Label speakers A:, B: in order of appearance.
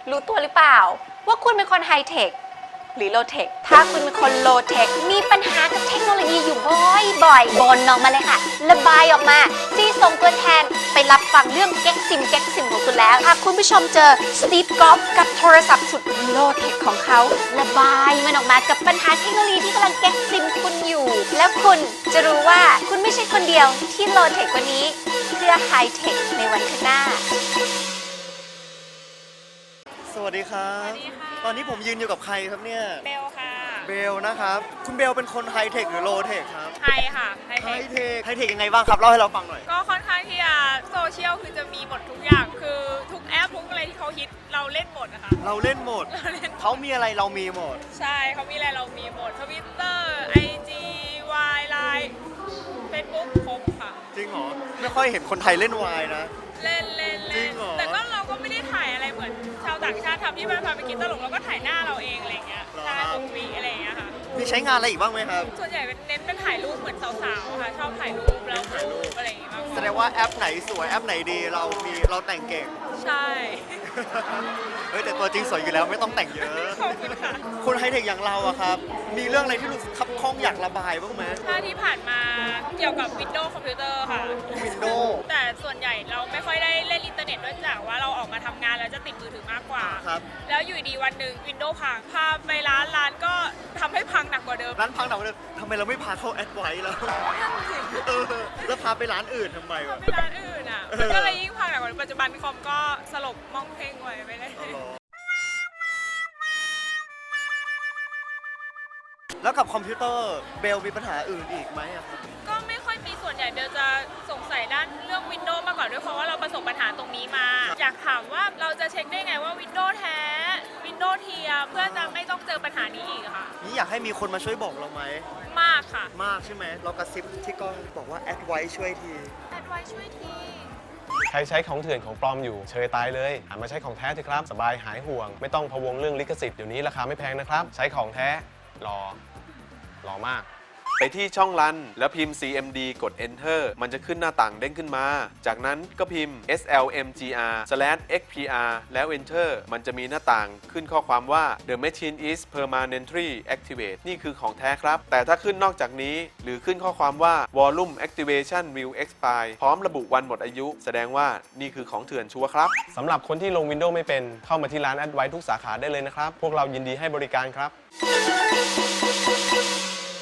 A: รู้ตัวหรือเปล่าว่าคุณเป็นคนไฮเทคหรือโลเทคถ้าคุณเป็นคนโลเทคมีปัญหากับเทคโนโลยีอยู่บ่อยๆบ่นออกมาเลยค่ะระบายออกมาซีส่งตัวแทนไปรับฟังเรื่องแก๊กซิมของคุณแล้วหากคุณผู้ชมเจอสตีฟ จ็อบส์กับโทรศัพท์สุดโลเทคของเขาระบายมันออกมากับปัญหาเทคโนโลยีที่กำลังแก๊กซิมคุณอยู่แล้วคุณจะรู้ว่าคุณไม่ใช่คนเดียวที่โลเทคกว่านี้เพื่อไฮเทคในวันข้างหน้า
B: สวัสดีครับตอนนี้ผมยืนอยู่กับใครครับเนี่ย
C: เบลค่ะ
B: เบลนะครับคุณเบลเป็นคนไฮเทคหรือโลเทคครับ
C: ไฮค่ะไฮ
B: เทคยังไงบ้างครับเล่าให้เราฟังหน่อย
C: ก็ค่อนข้างที่จะโซเชียลคือจะมีหมดทุกอย่างคือทุกแอปทุกอะไรที่เขาฮิตเราเล่นหมดนะคะ
B: เราเล่นหมดเขามีอะไรเรามีหมด
C: ใช่เขามีอะไรเรามีหมด Twitter IG Y Line Facebook ครบค่ะ
B: จริงเหรอไม่ค่อยเห็นคนไทยเล่นวายนะ
C: เล่น
B: จริงเหรอ
C: แต่ก็เราก็ไม่ได้ถ่ายอะไรเหมือนชาวต่างชาติทำที่มันพาไปกินตลกเราก็ถ่ายหน้าเราเองอะไรเงี้ยใช่ตรงวีอะไรเงี้ยค่ะ
B: มีใช้งานอะไรอีกบ้างไหมครับ
C: ส่วนใหญ่เน้นเป็นถ่ายรูปเหมือนสาวๆค่ะชอบถ่ายรูปแล้วถ่ายรูปอะไรอย่างเงี้ยมากกว่า
B: แสดงว่าแอปไหนสวยแอปไหนดีเราแต่งเก่ง
C: ใช่
B: เฮ้ยแต่ตัวจริงสวยอยู่แล้วไม่ต้องแต่งเยอะ
C: ขอบคุณค่ะ
B: คนไฮเทคอย่างเราอะครับมีเรื่องอะไรที่รู้สึกคับข้องอยากระบายบ้างไหม
C: ถ้าที่ผ่านมาเกี่ยวกับ Windows คอมพิวเตอร์ค่ะ
B: Windows
C: แต่ส่วนใหญ่เราไม่ค่อยได้เล่นอินเทอร์เน็ตด้วยจากว่าเราออกมาทำงานแล้วจะติดมือถือมากกว่า
B: ครับ
C: แล้วอยู่ดีวันหนึ่ง Windows พังพาไปร้านก็ทำให้พังหนักกว่าเดิม
B: ร้านพังหนักกว่าเดิมทำไมเราไม่พาเข้าแอดไวท์แล้วแล้วพาไปร้านอื่นทำไมวะ
C: ไปร้านอื่นอ่ะมันก็เลยยิ่งพังหนักกว่าปัจจุบันคอมก็สลบมองเพ่งไว้ไม่ได้
B: แล้วกับคอมพิวเตอร์เบลมีปัญหาอื่นอีกไหมครับ
C: ก็ไม่ค่อยมีส่วนใหญ่เบลจะสงสัยด้านเรื่อง Windows มากกว่าด้วยเพราะว่าเราประสบปัญหาตรงนี้มาอยากถามว่าเราจะเช็คได้ไงว่า Windows แท้ Windows เทียมเพื่อจะไม่ต้องเจอปัญหานี้อีกค่ะ
B: นี่อยากให้มีคนมาช่วยบอกเราไหม
C: มากค่ะ
B: มากใช่ไหมเรากระซิบที่กล้องบอกว่าแอดไวท์ช่วยที
C: แอดไวท์ช่วยที
D: ใครใช้ของเถื่อนของปลอมอยู่เชยตายเลยหันมาใช้ของแท้เถอะครับสบายหายห่วงไม่ต้องพะวงเรื่องลิขสิทธิ์เดี๋ยวนี้ราคาไม่แพงนะครับใช้ของแท้รอมาก
E: ไปที่ช่องรันแล้วพิมพ์ cmd กด enter มันจะขึ้นหน้าต่างเด้งขึ้นมาจากนั้นก็พิมพ์ slmgr/xpr แล้ว enter มันจะมีหน้าต่างขึ้นข้อความว่า the machine is permanently activate นี่คือของแท้ครับแต่ถ้าขึ้นนอกจากนี้หรือขึ้นข้อความว่า volume activation will expire พร้อมระบุวันหมดอายุแสดงว่านี่คือของเถื่อนชัวร์ครับ
D: สำหรับคนที่ลง Windows ไม่เป็นเข้ามาที่ร้าน Advice ทุกสาขาได้เลยนะครับพวกเรายินดีให้บริการครับ